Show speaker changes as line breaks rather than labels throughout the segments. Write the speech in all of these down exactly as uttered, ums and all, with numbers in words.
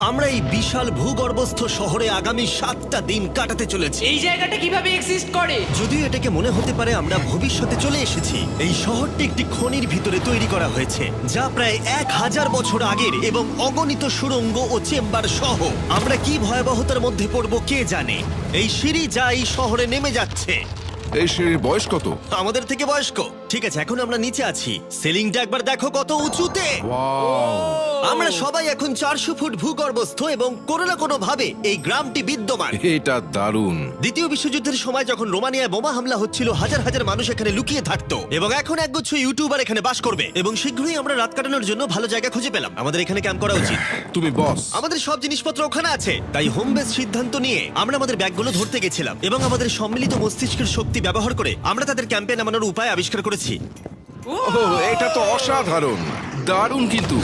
আমরা এই বিশাল ভূগর্ভস্থ শহরে আগামী সাতটা দিন কাটাতে চলেছি।
এই জায়গাটা কিভাবে এক্সিস্ট করে?
যদিও এটাকে মনে হতে পারে আমরা ভবিষ্যতে চলে এসেছি, এই শহরটি একটি খনির ভিতরে তৈরি করা হয়েছে যা প্রায় এক হাজার বছর আগের এবং অগণিত সুড়ঙ্গ ও চেম্বার সহ। আমরা কি ভয়াবহতার মধ্যে পড়বো কে জানে। এই সিঁড়ি যা এই শহরে নেমে যাচ্ছে
এই সিঁড়ির বয়স কত?
আমাদের থেকে বয়স্ক। ঠিক আছে, এখন আমরা নিচে আছি। সিলিংটা একবার দেখো কত উঁচুতে।
ওয়াও!
আমরা সবাই এখন চারশো ফুট ভূগর্ভস্থ এবং কোনো না কোনো ভাবে এই গ্রামটি বিদ্যমান।
এটা দারুণ।
দ্বিতীয় বিশ্বযুদ্ধের সময় যখন রোমানিয়ায় বোমা হামলা হচ্ছিল, হাজার হাজার মানুষ এখানে লুকিয়ে থাকতো এবং এখন একগুচ্ছ ইউটিউবার এখানে বাস করবে। এবং শীঘ্রই আমরা রাত কাটানোর জন্য ভালো জায়গা খুঁজে পেলাম। আমাদের এখানে ক্যাম্প করা উচিত।
তুমি বস।
আমাদের সব জিনিসপত্র ওখানে আছে, তাই হোম বেস সিদ্ধান্ত নিয়ে আমরা আমাদের ব্যাগগুলো ধরতে গেছিলাম এবং আমাদের সম্মিলিত মস্তিষ্কের শক্তি ব্যবহার করে আমরা তাদের ক্যাম্পে নামানোর উপায় আবিষ্কার করেছি।
ওহ, এটা তো অসাধারণ, দারুণ। কিন্তু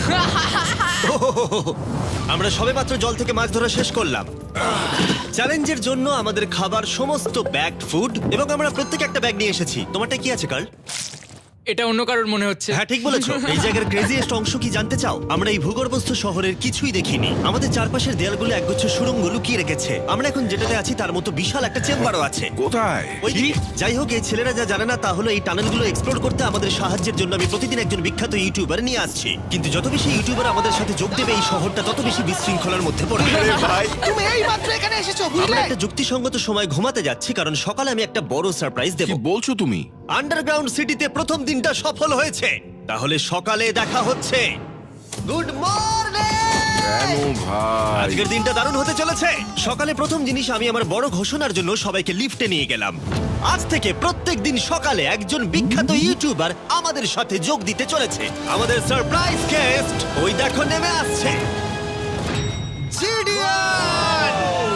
আমরা সবেমাত্র জল থেকে মাছ ধরা শেষ করলাম। চ্যালেঞ্জের জন্য আমাদের খাবার সমস্ত ব্যাগ ফুড এবং আমরা প্রত্যেক একটা ব্যাগ নিয়ে এসেছি। তোমারটা কি আছে কার্ল?
এটা অন্য কারোর মনে হচ্ছে।
হ্যাঁ, ঠিক বলেছো। এই জায়গার ক্রেজিয়েস্ট অংশ কি জানতে চাও? আমরা এই ভূগর্ভস্থ শহরের কিছুই দেখিনি। আমাদের চারপাশের দেয়ালগুলো একগুচ্ছ সুড়ঙ্গ লুকিয়ে রেখেছে। আমরা এখন যেটাতে আছি তার মতো বিশাল একটা চেম্বারও আছে।
কোথায়?
ওই দিকে। যাই হোক, এই ছেলেরা যা জানে না তা হলো এই টানেলগুলো এক্সপ্লোর করতে আমাদের সাহায্যের জন্য আমি প্রতিদিন একজন বিখ্যাত ইউটিউবার নিয়ে আসছি। কিন্তু যত বেশি ইউটিউবার আমাদের সাথে যোগ দেবে, এই শহরটা তত বেশি বিশৃঙ্খলার মধ্যে পড়বে। ভাই,
তুমি এই মাত্র এখানে এসেছো,
আমরা
বুঝলে?
একটা যুক্তিসঙ্গত সময় ঘুমাতে যাচ্ছি কারণ সকালে আমি একটা বড় সারপ্রাইজ দেব।
কি বলছো তুমি?
আন্ডারগ্রাউন্ড সিটিতে প্রথম দিনটা সফল হয়েছে। তাহলে সকালে দেখা হচ্ছে। Good morning!
কেন ভাই?
আজকের দিনটা দারুণ হতে চলেছে। সকালে প্রথম জিনিস, আমি আমার বড় ঘোষণার জন্য সবাইকে লিফটে নিয়ে গেলাম। আজ থেকে প্রত্যেক দিন সকালে একজন বিখ্যাত ইউটিউবার আমাদের সাথে যোগ দিতে চলেছে। আমাদের সারপ্রাইজ গেস্ট ওই দেখো নেমে আসছে, জিডিয়ান!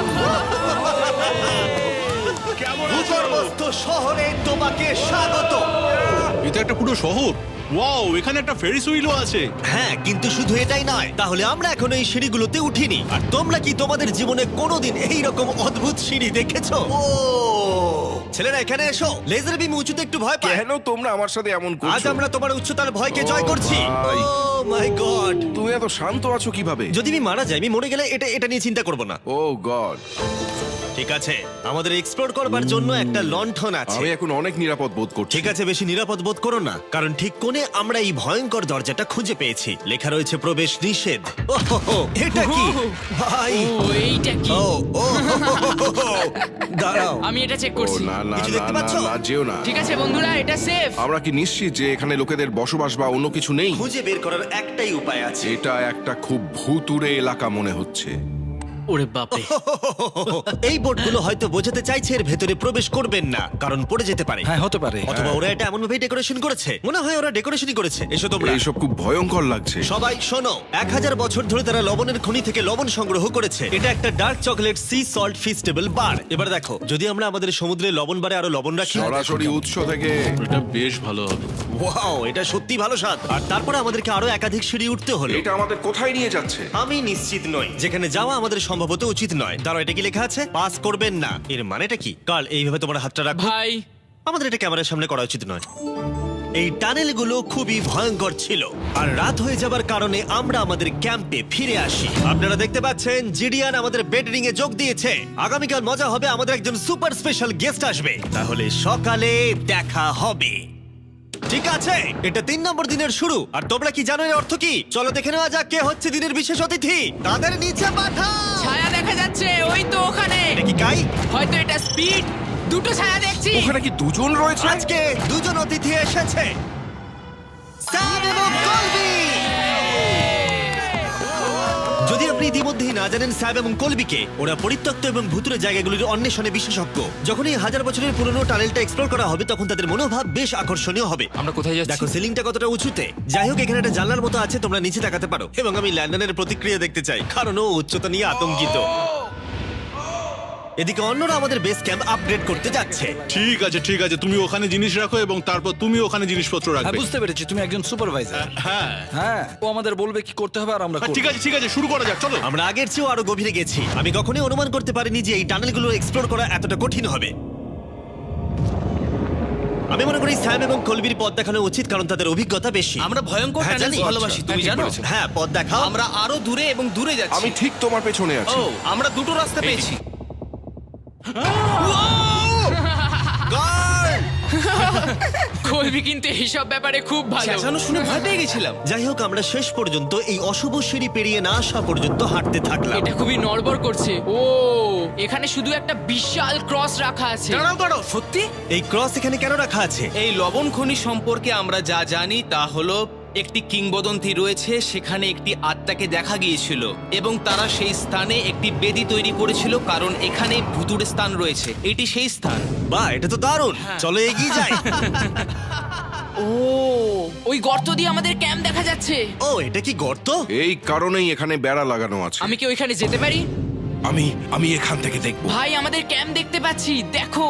ভূগর্ভস্থ শহরে তোমাকে স্বাগত।
এটা একটা পুরো শহর। ওয়াও, এখানে একটা ফেরিস হুইলও আছে।
হ্যাঁ, কিন্তু শুধু এটাই নয়। তাহলে আমরা এখন এই সিঁড়িগুলোতে উঠিনি। আর তোমরা কি তোমাদের জীবনে কোনোদিন এই রকম অদ্ভুত সিঁড়ি দেখেছো? ও ছেলেরা, এখানে এসো। লেজার বিম উঁচুতে একটু ভয় পায়।
কেন তোমরা আমার সাথে এমন
আজ
করছো?
আমরা তোমার উচ্চতার ভয়কে
ও
জয় করছি।
ভাই।
Oh my god!
তুমি এত শান্ত আছো কিভাবে?
যদি আমি মারা যাই, আমি মরে গেলে এটা এটা নিয়ে চিন্তা করব না।
Oh god!
ঠিক আছে, আমাদের এক্সপ্লোর করবার জন্য একটা লণ্ঠন আছে।
আমি এখন অনেক নিরাপদ বোধ করছি।
ঠিক আছে, বেশি নিরাপদ বোধ করো না, কারণ ঠিক কোণে আমরা এই ভয়ঙ্কর দরজাটা খুঁজে পেয়েছি। লেখা রয়েছে প্রবেশ নিষেধ। ওহো, এটা কি ভাই?
ও এইটা কি?
ও ও দাঁড়াও,
আমি এটা চেক
ও
করছি।
না না
কিছু
না
দেখতে
না
পাচ্ছ?
না, যেও না।
ঠিক আছে বন্ধুরা, এটা সেফ।
আমরা কি নিশ্চিত যে এখানে লোকেদের বসবাস বা অন্য কিছু নেই?
খুঁজে বের করার একটাই উপায় আছে।
এটা একটা খুব ভুতুড়ে এলাকা মনে হচ্ছে।
ওরে বাপরে।
এই বোর্ডগুলো হয়তো বোঝাতে চাইছে এর ভেতরে প্রবেশ করবেন না, কারণ পড়ে যেতে পারে।
হ্যাঁ, হতে পারে।
অথবা ওরা এটা এমন ভাবে ডেকোরেশন করেছে, মনে হয় ওরা ডেকোরেশনই করেছে। এসো তোমরা।
এইসব খুব ভয়ঙ্কর লাগছে।
সবাই শোনো, এক হাজার বছর ধরে তারা লবণের খনি থেকে লবণ সংগ্রহ করেছে। এটা একটা dark chocolate sea salt Feastables bar. এবার দেখো, যদি আমরা আমাদের সমুদ্রে লবণ বারে আরো লবণ রাখি।
সরাসরি উৎস থেকে।
এটা বেশ ভালো হবে।
ওয়াও, এটা সত্যি ভালো স্বাদ। আর তারপরে আমাদেরকে আরো একাধিক সিঁড়ি উঠতে হলো।
এটা আমাদের কোথায় নিয়ে যাচ্ছে?
আমি নিশ্চিত নই। যেখানে যাওয়া আমাদের সম্ভবত উচিত নয়। দাঁড়াও, এটা কি লেখা আছে? পাস করবেন না। এর মানেটা কি? কাল এইভাবে তোমার হাতটা রাখো।
ভাই,
আমাদের এটা ক্যামেরার সামনে করা উচিত নয়। এই টানেলগুলো খুবই ভয়ঙ্কর ছিল, আর রাত হয়ে যাবার কারণে আমরা আমাদের ক্যাম্পে ফিরে আসি। আপনারা দেখতে পাচ্ছেন জিডিয়ান আমাদের বেডরিং এ যোগ দিয়েছে। আগামীকাল মজা হবে, আমাদের একজন সুপার স্পেশাল গেস্ট আসবে। তাহলে সকালে দেখা হবে। ঠিক আছে, এটা তিন নম্বর দিনের শুরু। আর তোমরা কি জানো এর অর্থ কি? চলো দেখে নেওয়া যাক কে হচ্ছে দিনের বিশেষ অতিথি। তাদের নিচে পাঠাও।
ছায়া দেখা যাচ্ছে ওই তো ওখানে।
এটা কি কাই?
হয়তো এটা স্পিড। দুটো ছায়া দেখছি।
ওখানে কি দুজন রয়েছে?
আজকে দুজন অতিথি এসেছে, স্যাম এবং কলবি। যদি আপনি ইতিমধ্যেই না জানেন স্যাব এবং কলবিকে, ওরা পরিত্যক্ত এবং ভুতুরে জায়গাগুলির অন্বেষণে বিশেষজ্ঞ। যখন এই হাজার বছরের পুরনো টানেলটা এক্সপ্লোর করা হবে, তখন তাদের মনোভাব বেশ আকর্ষণীয় হবে।
আমরা কোথায় যাচ্ছি?
দেখো সিলিংটা কতটা উঁচুতে। যাই হোক, এখানে একটা জানলার মতো আছে, তোমরা নিচে তাকাতে পারো। এবং আমি ল্যান্ডনের প্রতিক্রিয়া দেখতে চাই, কারণ ও উচ্চতা নিয়ে আতঙ্কিত। এদিকে অন্যরা আমাদের বেস ক্যাম্প আপগ্রেড করতে যাচ্ছে।
ঠিক আছে ঠিক আছে, তুমি ওখানে জিনিস রাখো এবং তারপর তুমি ওখানে জিনিসপত্র
হ্যাঁ,
রাখবে।
বুঝতে পেরেছি, তুমি একজন সুপারভাইজার।
হ্যাঁ
হ্যাঁ, ও আমাদের বলবে কি করতে হবে আর আমরা
হ্যাঁ,
করব।
ঠিক আছে ঠিক আছে, শুরু করা যাক, চলো।
আমরা আগের চেয়েও আরো গভীরে গেছি। আমি কখনোই অনুমান করতে পারিনি যে এই টানেলগুলো এক্সপ্লোর করা এতটা কঠিন হবে। আমি মনে করি স্যাম এবং কলবির পথ দেখানো উচিত, কারণ তাদের অভিজ্ঞতা বেশি।
আমরা ভয়ঙ্কর
হ্যাঁ,
টানেলস
জানি।
ভালোবাসি, তুমি
ঠিক
জানো?
বলেছো।
হ্যাঁ, পথ দেখাও।
আমরা আরো দূরে এবং দূরে যাচ্ছি।
আমি ঠিক তোমার পেছনে আছি।
ও, আমরা দুটো রাস্তা পেয়েছি।
Guard!
কলবি কিন্তু এইসব ব্যাপারে খুব ভালো।
চেঁচানো শুনে ভয় পেয়ে গেছিলাম।
যাই হোক, আমরা শেষ পর্যন্ত এই অশুভ সিঁড়ি পেরিয়ে না আসা পর্যন্ত হাঁটতে থাকলাম।
এটা খুবই নড়বড় করছে। ও, এখানে শুধু একটা বিশাল ক্রস রাখা আছে।
দাঁড়াও দাঁড়াও, সত্যি?
এই ক্রস এখানে কেন রাখা আছে?
এই লবণ খনি সম্পর্কে আমরা যা জানি তা হলো একটি কিংবদন্তি রয়েছে, সেখানে একটি আত্মাকে দেখা গিয়েছিল এবং তারা সেই স্থানে একটি বেদি তৈরি করেছিল, কারণ এখানে ভুতুড়ে স্থান রয়েছে। এটি সেই স্থান।
বাহ, এটা তো দারুণ। চলো এগিয়ে যাই।
ও, ওই গর্ত দিয়ে আমাদের ক্যাম্প দেখা যাচ্ছে।
ও, এটা কি গর্ত?
এই কারণেই এখানে বেড়া লাগানো আছে।
আমি কি ওইখানে যেতে পারি?
আমি আমি এখান থেকে দেখবো।
ভাই, আমাদের ক্যাম্প দেখতে পাচ্ছি, দেখো।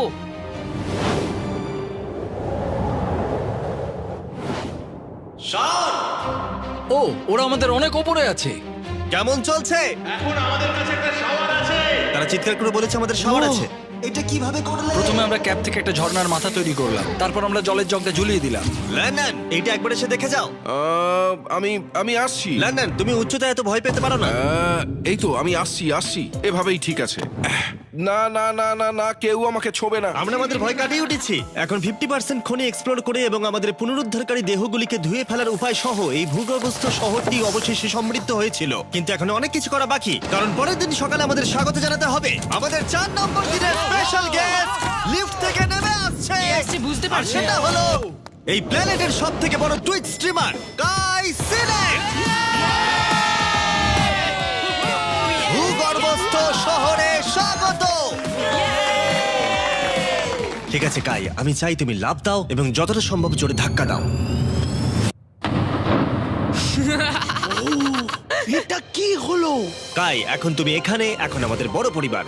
ও, ওরা আমাদের অনেক ওপরে আছে।
কেমন চলছে? এখন আমাদের কাছে একটা শাওয়ার আছে। তারা চিৎকার করে বলেছে আমাদের শাওয়ার
ও।
আছে। এটা কিভাবে করলে?
প্রথমে আমরা ক্যাপ থেকে একটা ঝর্ণার মাথা তৈরি করলাম, তারপর আমরা জলের জগটা ঝুলিয়ে দিলাম।
লন্ডন, এইটা একবার এসে দেখে যাও।
আহ, আমি আমি আসছি।
লন্ডন, তুমি উচ্চতায় এত ভয় পেতে পারো না।
আহ, এই তো আমি আসছি আসছি এভাবেই ঠিক আছে। আহ, না না না না না, কেউ আমাকে ছোবে না।
আমরা আমাদের ভয় কাটিয়ে উঠেছি। এখন ফিফটি পার্সেন্ট খনি এক্সপ্লোর করে এবং আমাদের পুনরুদ্ধারকারী দেহগুলিকে ধুয়ে ফেলার উপায় সহ এই ভূগর্ভস্থ শহরটি অবশেষে সমৃদ্ধ হয়েছিল। কিন্তু এখন অনেক কিছু করা বাকি, কারণ পরের দিন সকালে আমাদের স্বাগত জানাতে হবে আমাদের চার নম্বর দিনের স্পেশাল গেস্ট লিফট থেকে নেমে আসছে।
কে আসছে বুঝতে
আর
পারছি না।
সেটা হলো এই প্ল্যানেটের সব থেকে বড় টুইট স্ট্রিমার গাই সিলেক্ট। ভূগর্ভস্থ শহরে স্বাগত। ঠিক আছে কাই, আমি চাই তুমি লাফ দাও এবং যতটা সম্ভব জোরে ধাক্কা দাও।
এটা কি হলো?
কাই, এখন তুমি এখানে, এখন আমাদের বড় পরিবার।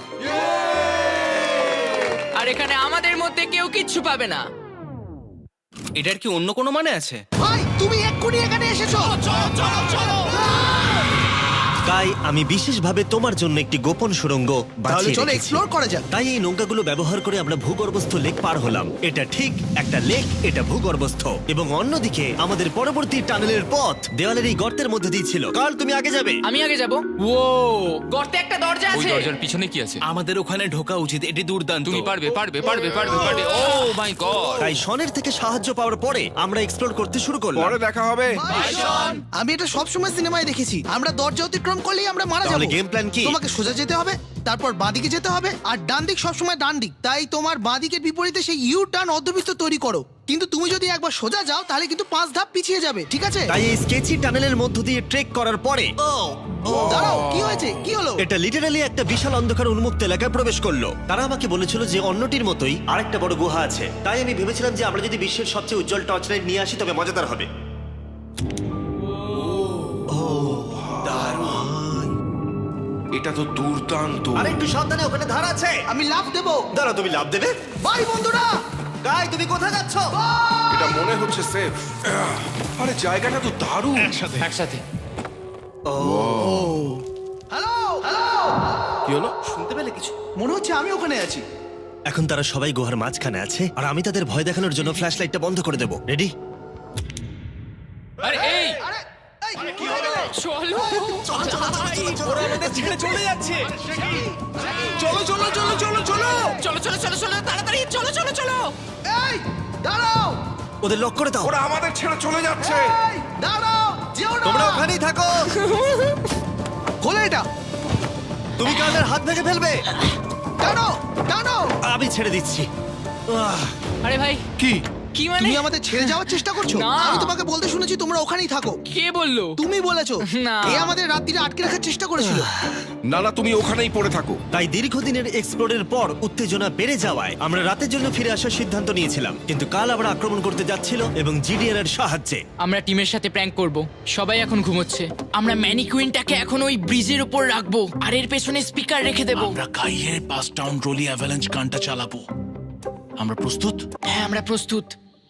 আর এখানে আমাদের মধ্যে কেউ কিচ্ছু পাবে না।
এটার কি অন্য কোনো মানে আছে?
ভাই, তুমি এক্ষুনি এখানে এসেছো। চলো চলো চলো।
কাই, আমি বিশেষভাবে তোমার জন্য একটি গোপন সুড়ঙ্গ বাছিয়ে
চলো
রেখেছি।
এক্সপ্লোর করা যাক।
তাই এই নৌকাগুলো ব্যবহার করে আমরা ভূগর্ভস্থ লেক পার হলাম। এটা ঠিক একটা লেক, এটা ভূগর্ভস্থ, এবং অন্যদিকে আমাদের পরবর্তী টানেলের পথ দেওয়ালের এই গর্তের মধ্যে দিয়ে ছিল। কাল, তুমি আগে যাবে।
আমি আগে যাব। ও, গর্তে একটা দরজা
ওই
আছে।
দরজার পিছনে কি আছে?
আমাদের ওখানে ঢোকা উচিত, এটি দুর্দান্ত।
তুমি পারবে পারবে পারবে পারবে পারবে ও মাই গড!
তাই শনের থেকে সাহায্য পাওয়ার পরে আমরা এক্সপ্লোর করতে শুরু করলাম।
পরে দেখা হবে।
আমি এটা সবসময় সিনেমায় দেখেছি, আমরা দরজা অতিক্রম করলেই আমরা মারা
তাহলে
যাবো।
game plan কি?
তোমাকে সোজা যেতে হবে, তারপর বাঁদিকে যেতে হবে, আর ডান দিক সবসময় ডান দিক। তাই তোমার বাঁদিকের বিপরীতে সেই ইউ টার্ন অর্ধবৃত্ত তৈরি করো। কিন্তু তুমি যদি একবার সোজা যাও তাহলে কিন্তু পাঁচ ধাপ পিছিয়ে যাবে, ঠিক আছে?
তাই এই স্কেচি টানেলের মধ্য দিয়ে ট্রেক করার পরে
দাঁড়াও, কি হয়েছে? কি হলো?
এটা লিটারালি একটা বিশাল অন্ধকার উন্মুক্ত এলাকায় প্রবেশ করলো। তারা আমাকে বলেছিল যে অন্যটির মতোই আরেকটা বড় গুহা আছে। তাই আমি ভেবেছিলাম যে আমরা যদি বিশ্বের সবচেয়ে উজ্জ্বল টর্চ লাইট নিয়ে আসি তবে মজাদার হবে।
এটা তো দুর্দান্ত।
আর একটু সাবধানে, ওখানে ধার আছে।
আমি লাফ দেবো।
দাঁড়া, তুমি লাভ দেবে?
বাই বন্ধুরা।
গাই, তুমি কোথায় যাচ্ছ?
এটা মনে হচ্ছে সেফ। আরে জায়গাটা তো দারুণ।
একসাথে
হ্যালো হ্যালো,
কি হলো?
শুনতে পেলে কিছু?
মনে হচ্ছে আমি ওখানে আছি।
এখন তারা সবাই গুহার মাঝখানে আছে, আর আমি তাদের ভয় দেখানোর জন্য ফ্ল্যাশ লাইটটা বন্ধ করে দেবো। রেডি?
আরে এই
আরে এই, কি হয়ে গেল?
চলো।
ওরা আমাদের ছেড়ে চলে যাচ্ছে।
চলো চলো চলো চলো চলো।
চলো চলো চলো চলো, তাড়াতাড়ি চলো চলো চলো।
এই দাঁড়াও,
ওদের লক করে দাও।
ওরা আমাদের ছেড়ে চলে যাচ্ছে।
এই দাঁড়াও, যেও না।
তোমরা ওখানেই থাকো।
খোলো এটা।
তুমি কালের হাত ভেঙে ফেলবে।
টানো টানো।
আমি ছেড়ে দিচ্ছি। আহ,
আরে ভাই,
কি?
কি মানে?
তুমি আমাদের ছেড়ে যাওয়ার চেষ্টা করছো?
না।
আমি তোমাকে বলতে শুনেছি তোমরা ওখানেই থাকো।
কে বললো?
তুমি বলেছো।
না।
এ আমাদের রাত্রিরে আটকে রাখার চেষ্টা করেছিল।
না না, তুমি ওখানেই পড়ে থাকো।
তাই দীর্ঘদিনের এক্সপ্লোরের পর উত্তেজনা বেড়ে যাওয়ায় আমরা রাতের জন্য ফিরে আসার সিদ্ধান্ত নিয়েছিলাম। কিন্তু কাল আবার আক্রমণ করতে যাচ্ছিল এবং জিডিআর এর সাহায্যে।
আমরা টিমের সাথে প্র্যাঙ্ক করব। সবাই এখন ঘুমোচ্ছে। আমরা ম্যানিকুইনটাকে এখন ওই ব্রিজের উপর রাখবো আর এর পেছনে স্পিকার রেখে দেব।
আমরা কাইয়ের পাস টাউন রোলি অ্যাভালাঞ্চ গানটা চালাবো। আমরা প্রস্তুত?
হ্যাঁ, আমরা প্রস্তুত।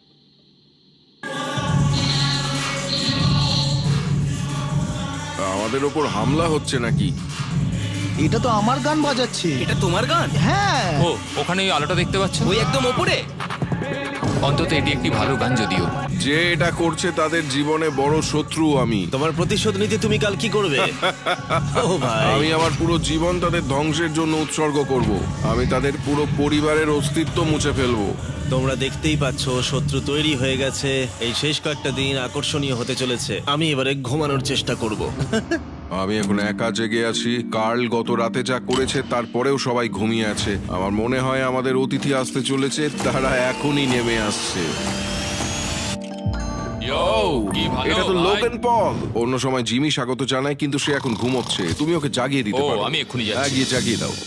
আমাদের ওপর হামলা হচ্ছে নাকি?
এটা তো আমার গান বাজাচ্ছে।
এটা তোমার গান?
হ্যাঁ।
ও ওখানে ওই আলোটা দেখতে পাচ্ছ?
ওই একদম ওপরে?
অন্তত এটি একটি ভালো গান যদিও।
যে এটা করছে তাদের জীবনে বড় শত্রু আমি।
তোমার প্রতিশোধ নিতে তুমি কাল কি করবে? ও ভাই,
আমি আমার পুরো জীবন তাদের ধ্বংসের জন্য উৎসর্গ করব। আমি তাদের পুরো পরিবারের অস্তিত্ব মুছে ফেলবো।
তোমরা দেখতেই পাচ্ছ শত্রু তৈরি হয়ে গেছে। এই শেষ কয়েকটা দিন আকর্ষণীয় হতে চলেছে। আমি এবারে ঘুমানোর চেষ্টা করব।
আমি এখন একা জেগে আছি। কার্ল গত রাতে যা করেছে তারপরেও সবাই ঘুমিয়ে আছে। আমার মনে হয় আমাদের অতিথি আসতে চলেছে, তারা এখনই নেমে আসছে।
কি ভালো
এটা তো
ভাই।
Logan Paul. অন্য সময় জিমি স্বাগত জানায়, কিন্তু সে এখন ঘুমোচ্ছে। তুমি ওকে জাগিয়ে দিতে
ও,
পারো।
আমি এক্ষুনি যাচ্ছি।
হ্যাঁ, গিয়ে জাগিয়ে দাও।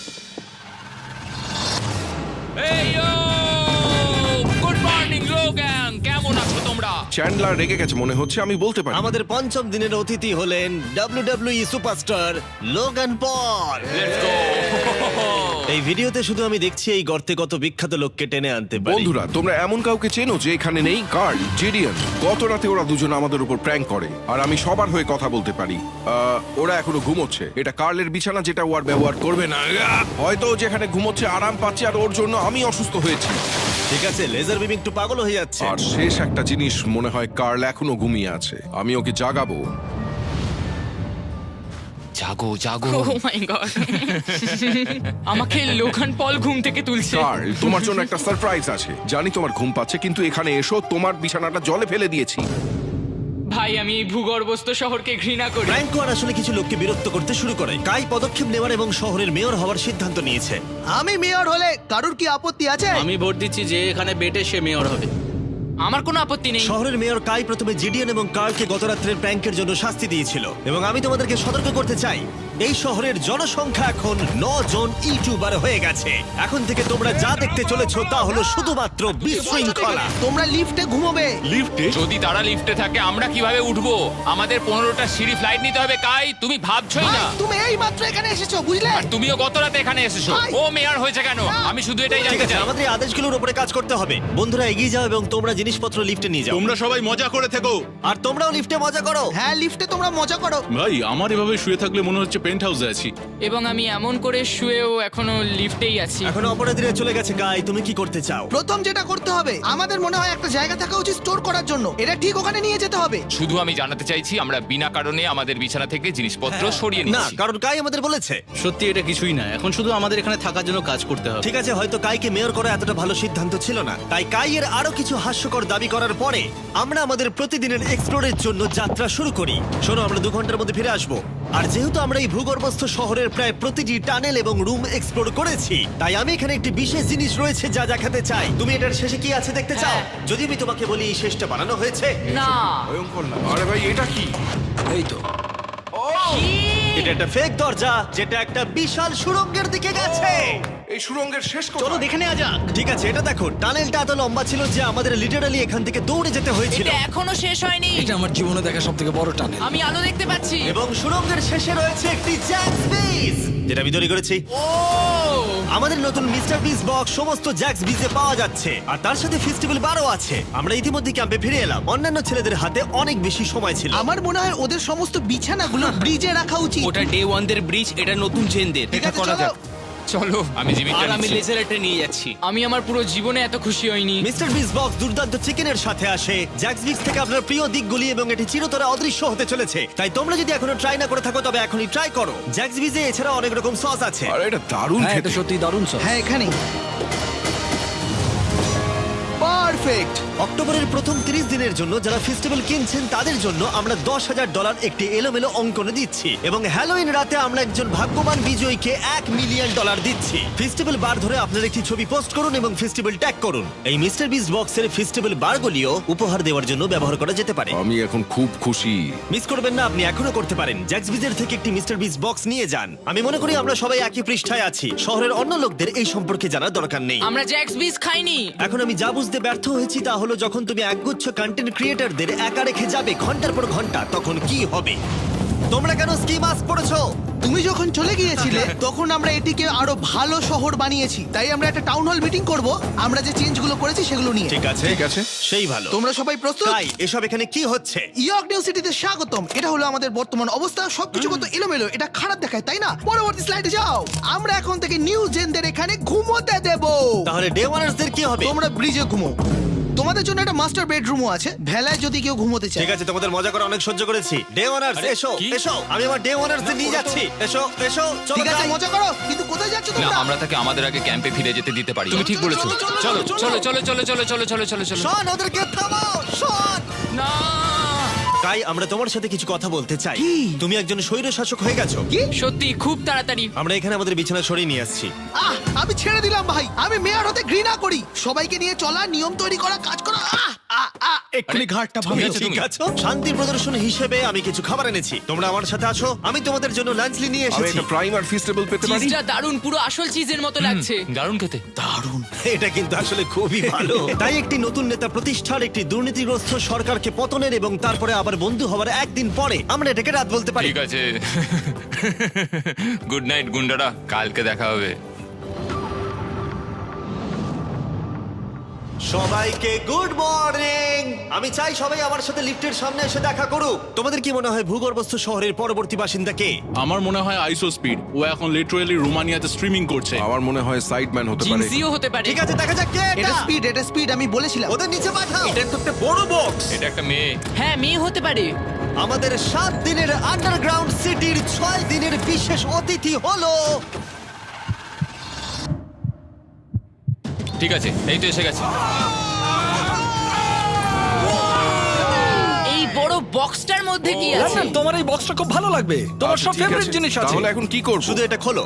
এই ইয়ো! গুড মর্নিং লোগান, কেমন আছো তোমরা?
চ্যান্ডলার রেগে গেছে মনে হচ্ছে, আমি বলতে পারি।
আমাদের পঞ্চম দিনের অতিথি হলেন W W E superstar Logan Paul.
Let's go!
এই ভিডিওতে শুধু আমি দেখছি এই গর্তে কত বিখ্যাত লোককে টেনে আনতে পারি।
বন্ধুরা, তোমরা এমন কাউকে চেনো যে এখানে নেই? কার্ল, জেডিয়ান। গত রাতে ওরা দুজন আমাদের উপর প্র্যাঙ্ক করে, আর আমি সবার হয়ে কথা বলতে পারি। আহ, ওরা এখনো ঘুমোচ্ছে। এটা কার্লের বিছানা, যেটা ও আর ব্যবহার করবে না। আহ! হয়তো ও যেখানে ঘুমোচ্ছে আরাম পাচ্ছে, আর ওর জন্য আমি অসুস্থ হয়েছি।
ঠিক আছে, লেজার বিম একটু পাগল হয়ে যাচ্ছে।
আর শেষ একটা জিনিস, মনে হয় কার্ল এখনো ঘুমিয়ে আছে। আমি ওকে জাগাবো।
জাগো জাগো।
ও মাই গড! আমাকে লোগান পল ঘুম থেকে তুলছে।
কার্ল, তোমার জন্য একটা সারপ্রাইজ আছে। জানি তোমার ঘুম পাচ্ছে, কিন্তু এখানে এসো, তোমার বিছানাটা জলে ফেলে দিয়েছি।
ভাই, আমি এই ভূগর্ভস্থ শহরকে ঘৃণা করি।
ফ্র্যাঙ্কো আর আসলে কিছু লোককে বিরক্ত করতে শুরু করে। কাই পদক্ষেপ নেওয়ার এবং শহরের মেয়র হওয়ার সিদ্ধান্ত নিয়েছে।
আমি মেয়র হলে কারুর কি আপত্তি আছে?
আমি ভোট দিচ্ছি যে এখানে বেটে সে মেয়র হবে।
আমার কোনো আপত্তি নেই।
শহরের মেয়র কাই প্রথমে জিডিএন এবং কার্লকে গত রাত্রের প্র্যাঙ্কের জন্য শাস্তি দিয়েছিল, এবং আমি তোমাদেরকে সতর্ক করতে চাই, এই শহরের জনসংখ্যা এখন ন জন ইউটিউবার হয়ে গেছে। এখন থেকে তোমরা যা দেখতে চলেছো তা হলো শুধুমাত্র বিশৃঙ্খলা।
তোমরা লিফটে ঘুমোবে।
লিফটে?
যদি তারা লিফটে থাকে আমরা কিভাবে উঠবো? আমাদের পনেরোটা সিঁড়ি ফ্লাইট নিতে হবে। কাই, তুমি ভাবছই
ভাই,
না।
তুমি এই মাত্র এখানে এসেছো, বুঝলে?
আর তুমিও গত রাতে এখানে এসেছো।
ভাই!
ও মেয়র হয়েছে কেন? আমি শুধু এটাই
ঠিক
জানতে
আছে,
চাই।
আমাদের এই আদেশগুলোর উপরে কাজ করতে হবে। বন্ধুরা, এগিয়ে যাও এবং তোমরা জিনিসপত্র লিফটে নিয়ে যাও।
তোমরা সবাই মজা করে থেকো।
আর তোমরাও লিফটে মজা করো।
হ্যাঁ, লিফটে তোমরা মজা করো।
ভাই, আমার এভাবে শুয়ে থাকলে মনে হচ্ছে পেন্ট হাউসে আছি।
এবং আমি এমন করে শুয়েও এখনো লিফটেই আছি।
এখন অপরাধীরা চলে গেছে। কাই, তুমি কি করতে চাও?
প্রথম যেটা করতে হবে, আমাদের মনে হয় একটা জায়গা থাকা উচিত স্টোর করার জন্য। এটা ঠিক ওখানে নিয়ে যেতে হবে।
শুধু আমি জানাতে চাইছি আমরা বিনা কারণে আমাদের বিছানা থেকে জিনিসপত্র সরিয়ে
না,
নিচ্ছি।
কারণ কাই আমাদের বলেছে।
সত্যি এটা কিছুই না, এখন শুধু আমাদের এখানে থাকার জন্য কাজ করতে হবে।
ঠিক আছে, হয়তো কাইকে মেয়র করা এতটা ভালো সিদ্ধান্ত ছিল না। তাই কাইয়ের আরো কিছু হাস্যকর দাবি করার পরে আমরা আমাদের প্রতিদিনের এক্সপ্লোরের জন্য যাত্রা শুরু করি। শোনো, আমরা দু ঘন্টার মধ্যে ফিরে আসবো। আর যেহেতু আমরা এই ভূগর্ভস্থ শহরের প্রায় প্রতিটি টানেল এবং রুম এক্সপ্লোর করেছি, তাই আমি এখানে একটি বিশেষ জিনিস রয়েছে যা দেখাতে চাই। তুমি এটার শেষে কি আছে দেখতে চাও?
হ্যাঁ।
যদি আমি তোমাকে বলি এই শেষটা বানানো হয়েছে।
না।
ভয়ঙ্কর না? আরে ভাই, এটা কি?
এই তো
এটা একটা ফেক দরজা, যেটা একটা বিশাল সুড়ঙ্গের দিকে গেছে।
এই সুড়ঙ্গের শেষ
চলো
কোথায়?
দেখে নেওয়া যাক। ঠিক আছে, এটা দেখো, টানেলটা এত লম্বা ছিল যে আমাদের লিটারালি এখান থেকে দৌড়ে যেতে হয়েছিল।
এটা এখনো শেষ হয়নি।
এটা আমার জীবনে দেখা সব থেকে বড় টানেল।
আমি আলো দেখতে পাচ্ছি।
এবং সুড়ঙ্গের শেষে রয়েছে একটি জ্যাক্স বিস, যেটা আমি তৈরি করেছি।
ও!
আমাদের নতুন মিস্টার বিস বক্স সমস্ত জ্যাক্স বিজে পাওয়া যাচ্ছে, আর তার সাথে ফেস্টিভ্যাল বারও আছে। আমরা ইতিমধ্যে ক্যাম্পে ফিরে এলাম। অন্যান্য ছেলেদের হাতে অনেক বেশি সময় ছিল।
আমার মনে হয় ওদের সমস্ত বিছানাগুলো ব্রিজে রাখা উচিত।
ওটা ডে ওয়ান দের ব্রিজ, এটা নতুন জেনদের।
ঠিক
এটা
আছে,
করা
চলো।
যাক।
চলো, আমি জিমিটা
আর আমি
নিচ্ছি।
লেজারটা নিয়ে যাচ্ছি।
আমি আমার পুরো জীবনে এত খুশি হইনি।
মিস্টার বিস বক্স দুর্দান্ত চিকেনের সাথে আসে, জ্যাক্স বিক্স থেকে আপনার প্রিয় দিকগুলি, এবং এটি চিরতরে অদৃশ্য হতে চলেছে। তাই তোমরা যদি এখনো ট্রাই না করে থাকো তবে এখনই ট্রাই করো। জ্যাক্স বিজে এছাড়া অনেক রকম সস আছে।
আরে এটা দারুণ
হ্যাঁ,
খেতে।
এটা সত্যি দারুণ সব।
হ্যাঁ, এখানে পারফেক্ট।
অক্টোবরের প্রথম তিরিশ দিনের জন্য যারা ফেস্টিভ্যাল কিনছেন তাদের জন্য আমরা দশ হাজার ডলার একটি এলোমেলো অঙ্কনে দিচ্ছি, এবং হ্যালোইন রাতে আমরা একজন ভাগ্যবান বিজয়ীকে এক মিলিয়ন ডলার দিচ্ছি। ফেস্টিভ্যাল বার ধরে আপনার একটি ছবি পোস্ট করুন এবং ফেস্টিভ্যাল ট্যাগ করুন। এই মিস্টার বিস বক্সের ফেস্টিভ্যাল বারগুলিও উপহার দেওয়ার জন্য ব্যবহার করা যেতে পারে।
আমি এখন খুব খুশি।
মিস করবেন না, আপনি এখনো করতে পারেন। জ্যাক্স বিজের থেকে একটি মিস্টার বিস বক্স নিয়ে যান। আমি মনে করি আমরা সবাই একই পৃষ্ঠায় আছি। শহরের অন্য লোকদের এই সম্পর্কে জানার দরকার নেই।
আমরা জ্যাক্স বিস খাইনি।
এখন আমি যা বুঝতে ব্যর্থ হয়েছি তা হলো, যখন তুমি একগুচ্ছ কন্টেন্ট ক্রিয়েটারদের একা রেখে যাবে ঘন্টার পর ঘন্টা, তখন কি হবে। তোমরা কেন স্কি মাস্ক পরেছো?
তুমি যখন চলে গিয়েছিলে তখন আমরা এটিকে আরো ভালো শহর বানিয়েছি, তাই আমরা একটা টাউন হল মিটিং করব আমরা যে চেঞ্জগুলো করেছি সেগুলো নিয়ে।
ঠিক আছে
ঠিক আছে।
সেই ভালো।
তোমরা সবাই প্রস্তুত?
তাই এসব এখানে কি হচ্ছে?
ইয়র্ক নিউ সিটিতে স্বাগতম। এটা হলো আমাদের বর্তমান অবস্থা। সবকিছু কত এলোমেলো, এটা খারাপ দেখায় তাই না? পরবর্তী স্লাইডে যাও। আমরা এখন থেকে নিউ জেনদের এখানে ঘুমোতে দেব।
তাহলে ডে ওয়ানার্সদের কি হবে?
তোমরা ব্রিজে ঘুমো। তোমাদের জন্য একটা মাস্টার বেডরুমও আছে, ভেলায় যদি কেউ ঘুমোতে চায়।
ঠিক আছে, তোমাদের মজা করে অনেক সহ্য করেছি। ডে ওয়ানার্স এসো
কি?
এসো, আমি আমার ডে ওয়ানার্সদের নিয়ে যাচ্ছি। এসো এসো, চলো
ঠিক আছে,
যাই।
মজা করো, কিন্তু কোথায় যাচ্ছ
না
তোমরা?
আমরা তাকে আমাদের আগে ক্যাম্পে ফিরে যেতে দিতে পারি। তুমি ঠিক
চলো,
বলেছো।
চলো,
চলো
চলো,
চলো চলো চলো চলো চলো চলো চলো চলো।
শোন, ওদেরকে থামাও, শোন।
না
তাই আমরা তোমার সাথে কিছু কথা বলতে চাই।
কি?
তুমি একজন স্বৈর শাসক হয়ে গেছো।
কি?
সত্যি খুব তাড়াতাড়ি।
আমরা এখানে আমাদের বিছানা সরিয়ে নিয়ে আসছি।
আহ, আমি ছেড়ে দিলাম ভাই। আমি মেয়র হতে ঘৃণা করি। সবাইকে নিয়ে চলা, নিয়ম তৈরি করা, কাজ করা। আহ, আহ, আহ, এক্ষুনি ঘাটটা
তুমি
ভাঙলো।
আছো
ঠিক
তুমি?
আছে, শান্তি প্রদর্শন হিসেবে আমি কিছু খাবার এনেছি। তোমরা আমার সাথে আছো, আমি তোমাদের জন্য লাঞ্চ নিয়ে
আমি
এসেছি।
একটা প্রাইম আর ফিস্টেবল পেতে পারি?
চিজটা দারুণ, পুরো আসল চিজের মতো লাগছে।
দারুণ খেতে।
এটা কিন্তু আসলে খুবই ভালো। তাই একটি নতুন নেতা প্রতিষ্ঠার, একটি দুর্নীতিগ্রস্ত সরকারকে পতনের এবং তারপরে আবার বন্ধু হওয়ার একদিন পরে আমরা এটাকে রাত বলতে পারি।
ঠিক আছে। গুড নাইট গুন্ডারা, কালকে দেখা হবে।
সবাইকে গুড মর্নিং। আমি চাই সবাই আমার সাথে লিফটের সামনে এসে দেখা করুক। তোমাদের কি মনে হয় ভূগর্ভস্থ শহরের পরবর্তী বাসিন্দা কে?
আমার মনে হয় আইসো স্পিড, ও এখন লিটারালি রোমানিয়াতে স্ট্রিমিং করছে।
আমার মনে হয় সাইডম্যান হতে পারে।
জিনসিও হতে পারে।
ঠিক আছে, দেখা যাক কে
এটা
এটা।
স্পিড, এটা স্পিড, আমি বলেছিলাম।
ওদের নিচে পাঠাও। এটা তো একটা বড় বক্স।
এটা একটা মেয়ে।
হ্যাঁ, মেয়ে হতে পারে।
আমাদের সাত দিনের আন্ডারগ্রাউন্ড সিটির ছয় দিনের বিশেষ অতিথি হলো
ঠিক আছে, এই তো এসে গেছে।
এই বড় বক্সটার মধ্যে কি আছে?
লন্ডন, তোমার এই বক্সটা খুব ভালো লাগবে। তোমার
আচ্ছা,
সব
ঠিক
ফেভারিট
আছে।
জিনিস আছে।
তাহলে এখন কি করব?
শুধু এটা খোলো।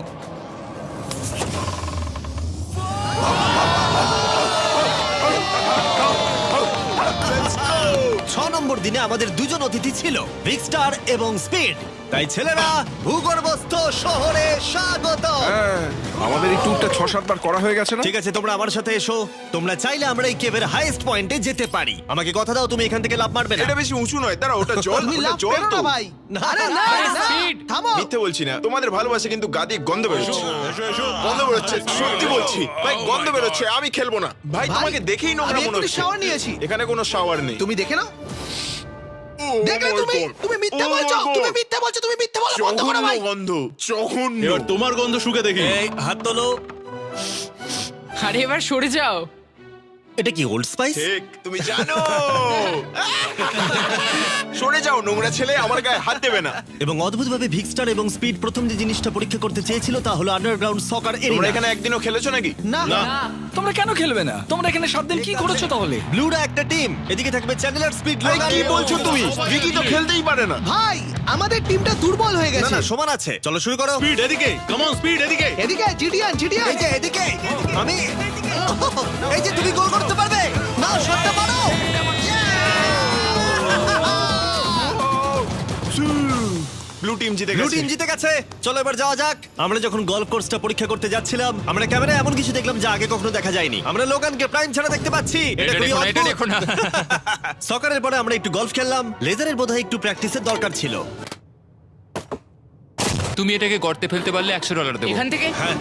ছ নম্বর দিনে আমাদের দুজন অতিথি ছিল, বিগ স্টার এবং স্পিড। তাই ছেলেরা, ভূগর্ভস্থ শহরে স্বাগত।
হ্যাঁ, আমাদের এই ট্যুরটা ছ সাত বার করা হয়ে গেছে না?
ঠিক আছে, তোমরা আমার সাথে এসো। তোমরা চাইলে আমরা এই কেভের হাইয়েস্ট পয়েন্টে যেতে পারি। আমাকে কথা দাও, তুমি এখান থেকে লাফ মারবে না।
এটা বেশি উঁচু নয়, দাঁড়া, ওটা জল,
তুমি
ওটা
লাভ
জল
করো
তো।
না ভাই।
না,
আরে না,
আরে
না,
speed।
থামো।
মিথ্যে বলছি না, তোমাদের ভালোবাসা কিন্তু গাদি গন্ধ বেরোচ্ছে। গন্ধ বেরোচ্ছে, সত্যি বলছি ভাই, গন্ধ বেরোচ্ছে। আমি খেলবো না ভাই,
ভাই,
তোমাকে দেখেই নোংরা
আমি
মনে
এক্ষুনি
হচ্ছে।
shower নিয়েছি।
এখানে কোনো শাওয়ার নেই।
তুমি দেখে নাও।
ও
দেখলে
my
তুমি,
God!
তুমি মিথ্যা
Oh my
বলছো,
God!
তুমি মিথ্যা বলছো, তুমি মিথ্যা বলো, বন্ধ করো
জঘন্য
ভাই।
গন্ধ, জঘন্য।
এবার তোমার গন্ধ শুকে দেখি।
এই হাত তোলো।
আরে এবার সরে যাও।
এটা কি ওল্ড স্পাইস?
ঠিক, তুমি জানো। সরে যাও নোংরা ছেলে, আমার গায়ে হাত দেবে না।
এবং অদ্ভুতভাবে ভিক্সটার এবং স্পিড প্রথম যে জিনিসটা পরীক্ষা করতে চেয়েছিল তা হলো আন্ডারগ্রাউন্ড সকার
তোমরা
এরিয়া।
এখানে একদিনও খেলেছো নাকি?
না,
তোমরা কেন খেলবে না? তোমরা এখানে সাত দিন কি করেছো তাহলে?
ব্লুরা একটা টিম, এদিকে থাকবে চ্যানেলার, স্পিড,
ভাই
লোগান।
কি বলছো তুমি? ভিকি তো খেলতেই পারে না।
ভাই, আমাদের টিমটা দুর্বল হয়ে
না
গেছে।
না, সমান আছে। চলো শুরু করো।
স্পিড এদিকে, কাম অন স্পিড এদিকে।
এদিকে জিডিয়ান, জিডিয়ান।
এই যে এদিকে, আমি এই যে তুমি গোল করতে পারবে না, শটটা মারো।
ব্লু টিম জিতে
ব্লু
গেছে।
টিম জিতে গেছে। চলো এবার যাওয়া যাক। আমরা যখন গলফ কোর্সটা পরীক্ষা করতে যাচ্ছিলাম, আমরা ক্যামেরায় এমন কিছু দেখলাম যা আগে কখনো দেখা যায়নি। আমরা লোগানকে প্রাইম ছাড়া দেখতে পাচ্ছি। এটা
এটা
খুবই
দেখো না, এটা
অদ্ভুত।
দেখো না।
সকারের পরে আমরা একটু গলফ খেললাম। লেজারের বোধহয় একটু প্র্যাকটিসের দরকার ছিল।
তুমি এটাকে গর্তে ফেলতে পারলে একশো ডলার দেবো।
এখান থেকে
হ্যাঁ,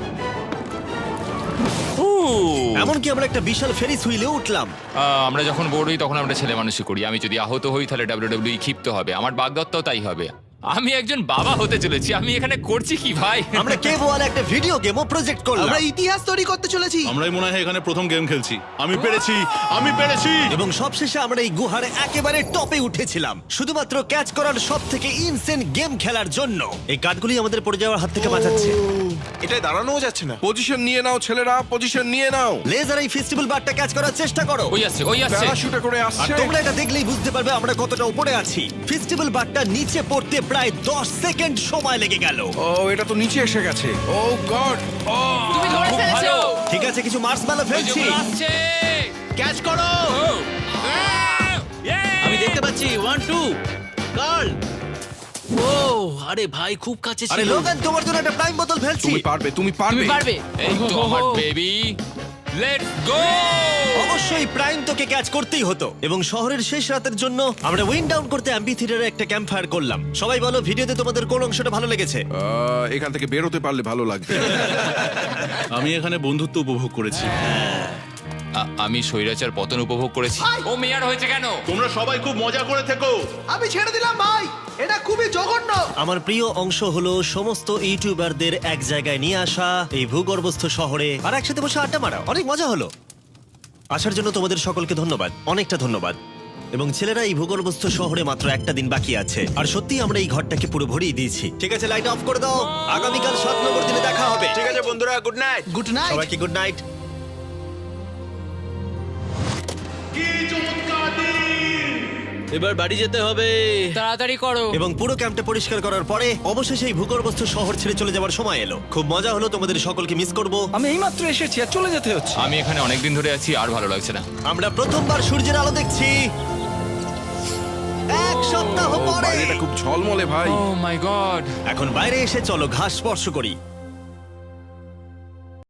ও,
এমনকি আমরা একটা বিশাল ফেরিস হুইলে উঠলাম।
আহ, আমরা যখন বোর্ড হই তখন আমরা ছেলে মানুষই করি। আমি যদি আহত হই তাহলে ডাব্লিউডাব্লিউই ক্ষিপ্ত হবে। আমার বাগদত্তাও তাই হবে। আমি একজন বাবা হতে চলেছি। আমি এখানে করছি কি ভাই?
আমরা কেভ ওয়াল একটা ভিডিও গেমও প্রজেক্ট করলাম
আমরা ইতিহাস তৈরি করতে চলেছি।
আমরাই মনে হয় এখানে প্রথম গেম খেলছি। আমি পেরেছি, আমি পেরেছি।
এবং সবশেষে আমরা এই গুহার একেবারে টপে উঠেছিলাম শুধুমাত্র ক্যাচ করার সব থেকে ইনসেন গেম খেলার জন্য। এই কাঠগুলি আমাদের পড়ে যাওয়ার হাত থেকে বাঁচাচ্ছে।
এটা দাঁড়ানোও যাচ্ছে না।
পজিশন নিয়ে নাও ছেলেরা, পজিশন নিয়ে নাও।
লেজার এই ফেস্টিভ্যাল বারটা ক্যাচ করার চেষ্টা করো।
ওই আসছে, ওই আসছে।
প্যারাশুটে করে
আর
আসছে।
তোমরা এটা দেখলেই বুঝতে পারবে আমরা কতটা উপরে আছি। ফেস্টিভ্যাল বারটা নিচে পড়তে প্রায় দশ সেকেন্ড সময় লেগে গেল।
ও, এটা তো নিচে এসে গেছে। ও গড। ও,
তুমি ধরে
খুব
ফেলেছো।
ভালো।
ঠিক আছে, কিছু মার্শম্যালো
ওই যে
ফেলছি।
ওগুলো আসছে।
ক্যাচ করো।
ও, আহ, yeah!
আমি দেখতে পাচ্ছি ওয়ান টু গার্ল। ও আরে ভাই, খুব কাছে
আরে
ছিল।
লোগান, তোমার জন্য একটা প্রাইম বোতল ফেলছি।
তুমি পারবে, তুমি পারবে।
তুমি পারবে।
এই তো আমার বেবি। Let's go!
অবশ্যই প্রাইম তোকে ক্যাচ করতেই হতো এবং শহরের শেষ রাতের জন্য আমরা উইন্ড ডাউন করতে অ্যাম্পি থিয়েটারে একটা ক্যাম্প ফায়ার করলাম। সবাই বলো ভিডিওতে তোমাদের কোন অংশটা ভালো লেগেছে?
আহ, এখান থেকে বেরোতে পারলে ভালো লাগবে।
আমি এখানে বন্ধুত্ব উপভোগ করেছি।
আ- আমি স্বৈরাচার পতন উপভোগ করেছি। ও মেয়ার হয়েছে কেন?
তোমরা সবাই খুব মজা করে থেকো।
আমি ছেড়ে দিলাম ভাই, এটা খুবই জঘন্য।
আমার প্রিয় অংশ হলো সমস্ত ইউটিউবারদের এক জায়গায় নিয়ে আসা এই ভূগর্ভস্থ শহরে আর একসাথে বসে আড্ডা মারা। অনেক মজা হলো। আসার জন্য তোমাদের সকলকে ধন্যবাদ, অনেকটা ধন্যবাদ। এবং ছেলেরা, এই ভূগর্ভস্থ শহরে মাত্র একটা দিন বাকি আছে আর সত্যি আমরা এই ঘরটাকে পুরো ভরিয়ে দিয়েছি। ঠিক আছে, লাইট অফ করে দাও। আগামীকাল সাত নম্বর দিনে দেখা হবে।
ঠিক আছে বন্ধুরা, গুড নাইট।
Good night.
সবাইকে গুড নাইট।
এবার বাড়ি যেতে হবে।
তাড়াতাড়ি করো।
এবং পুরো ক্যাম্পটা পরিষ্কার করার পরে অবশেষে এই ভূগর্ভস্থ শহর ছেড়ে চলে যাওয়ার সময় এলো। খুব মজা হলো, তোমাদের সকলকে মিস করব।
আমি এইমাত্র এসেছি আর চলে যেতে হচ্ছে।
আমি এখানে অনেকদিন ধরে আছি, আর ভালো লাগছে না।
আমরা প্রথমবার সূর্যের আলো দেখছি এক সপ্তাহ
ও,
পরে।
বাইরেটা খুব ঝলমলে ভাই।
Oh my god!
এখন বাইরে এসে চলো ঘাস স্পর্শ করি।